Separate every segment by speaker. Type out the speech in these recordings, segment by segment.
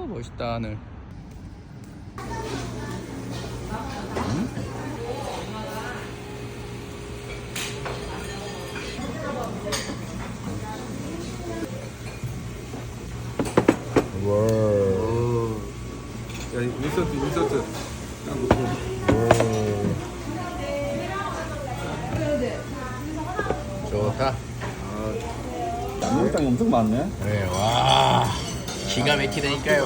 Speaker 1: 멋있다 하늘. 와.
Speaker 2: 야, 인서트.
Speaker 1: 좋다.
Speaker 3: 양념장이 엄청 많네.
Speaker 1: 네, 와. 기가 막히다니까요.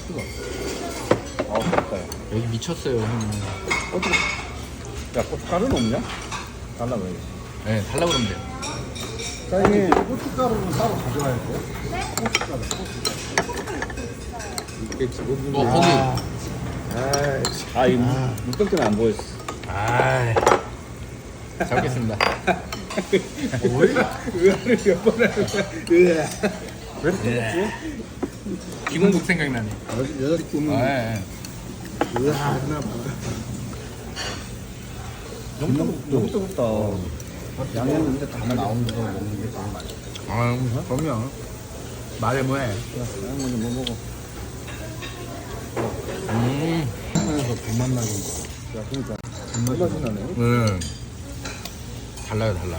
Speaker 3: 아, 좋다.
Speaker 1: 여기 미쳤어요, 형님.
Speaker 3: 야, 고춧가루는 없냐? 달라고 해야지.
Speaker 1: 네, 달라고 그러면 돼요.
Speaker 3: 사장님, 고춧가루는 따로 가져와야 돼? 고춧가루.
Speaker 2: 이게 지금
Speaker 1: 거기.
Speaker 3: 이 물떡 때문에 안 보였어.
Speaker 1: 아, 잡겠습니다.
Speaker 2: 의아를 몇 번 하는 거야. 의아.
Speaker 1: 예. 김은국 생각나네.
Speaker 2: 여자리 꾸면
Speaker 1: 예.
Speaker 2: 의아 하나 봐.
Speaker 3: 너무 뜨겁다. 양념 이제 다 나오는 거 먹는 게 제일 맛있어.
Speaker 1: 아, 그럼요. 말해 뭐해.
Speaker 3: 양념 먼저 뭐 먹어.
Speaker 2: 하나에서 불맛 나는 거. 야, 그러니까 불맛이 나네.
Speaker 1: 네. 달라요, 달라.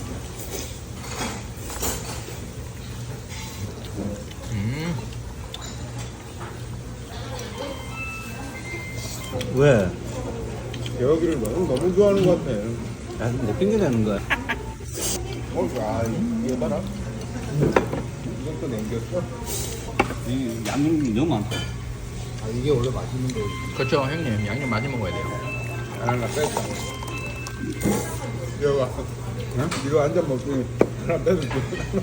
Speaker 3: 왜?
Speaker 2: 여기를 너무 좋아하는 것 같아.
Speaker 3: 야, 내 핑계 대는 거야.
Speaker 2: 야, 이거 봐라. 이것도 남겼어?
Speaker 3: 이 양념이 너무 많다.
Speaker 2: 아, 이게 원래 맛있는 거지.
Speaker 1: 그렇죠, 형님. 양념 많이 먹어야 돼요.
Speaker 2: 하나 뺐다. 여가 이거 한 잔 먹고 하나 빼줄게.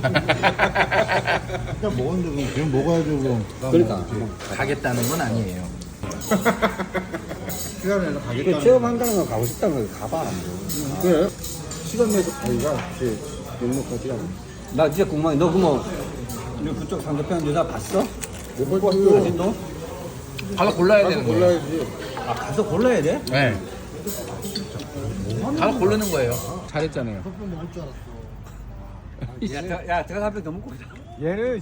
Speaker 2: 그냥 먹었는데 그럼 먹어야죠 그럼.
Speaker 3: 그러니까.
Speaker 1: 가겠다는 건 아니에요.
Speaker 2: 시간 내서
Speaker 3: 이게
Speaker 2: 가겠다는
Speaker 3: 체험한다는 거 가고 싶다는 거 가봐.
Speaker 2: 그래? 시간 내서 가기가 제일 넉넉하지 않아.
Speaker 3: 나 진짜 궁금해. 너 그뭐 그쪽 상대편 여자 봤어?
Speaker 2: 못 봤어.
Speaker 3: 사진도?
Speaker 1: 가서 골라야
Speaker 2: 가서
Speaker 1: 되는 거예요.
Speaker 2: 골라야지.
Speaker 3: 아, 가서 골라야 돼?
Speaker 1: 네. 가서 고르는 거예요. 잘했잖아요.
Speaker 3: 야, 들어가 한 병 더 먹고 가자.
Speaker 2: 얘는